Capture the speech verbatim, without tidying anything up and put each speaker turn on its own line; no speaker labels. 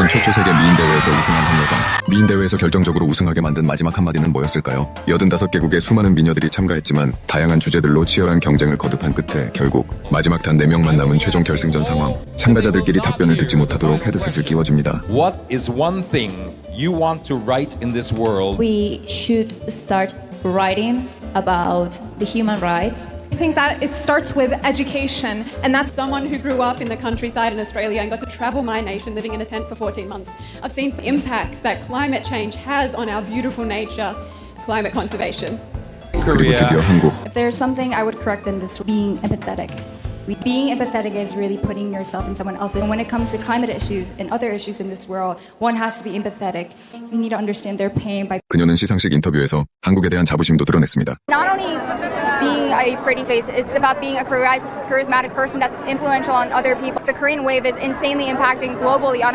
한국인 최초 세계 미인 대회에서 우승한 한 여성. 미인 대회에서 결정적으로 우승하게 만든 마지막 한마디는 뭐였을까요? 여든다섯 개국의 수많은 미녀들이 참가했지만 다양한 주제들로 치열한 경쟁을 거듭한 끝에 결국 마지막 단 네 명만 남은 최종 결승전 상황. 참가자들끼리 답변을 듣지 못하도록 헤드셋을 끼워줍니다.
What is one thing you want to write in this world?
We should start writing about the human rights.
I think that it starts with education, and that's someone who grew up in the countryside in Australia and got to travel my nation living in a tent for fourteen months. I've seen the impacts that climate change has on our beautiful nature, climate conservation.
그리고 드디어 한국.
If there's something I would correct in this, being empathetic. Being empathetic is really putting yourself in someone else. And when it comes to climate issues and other issues in this world, one has to be empathetic. You need to understand their pain by.
그녀는 시상식 인터뷰에서 한국에 대한 자부심도 드러냈습니다.
Not only being a pretty face, it's about being a charismatic person that's influential on other people. The Korean wave is insanely impacting globally on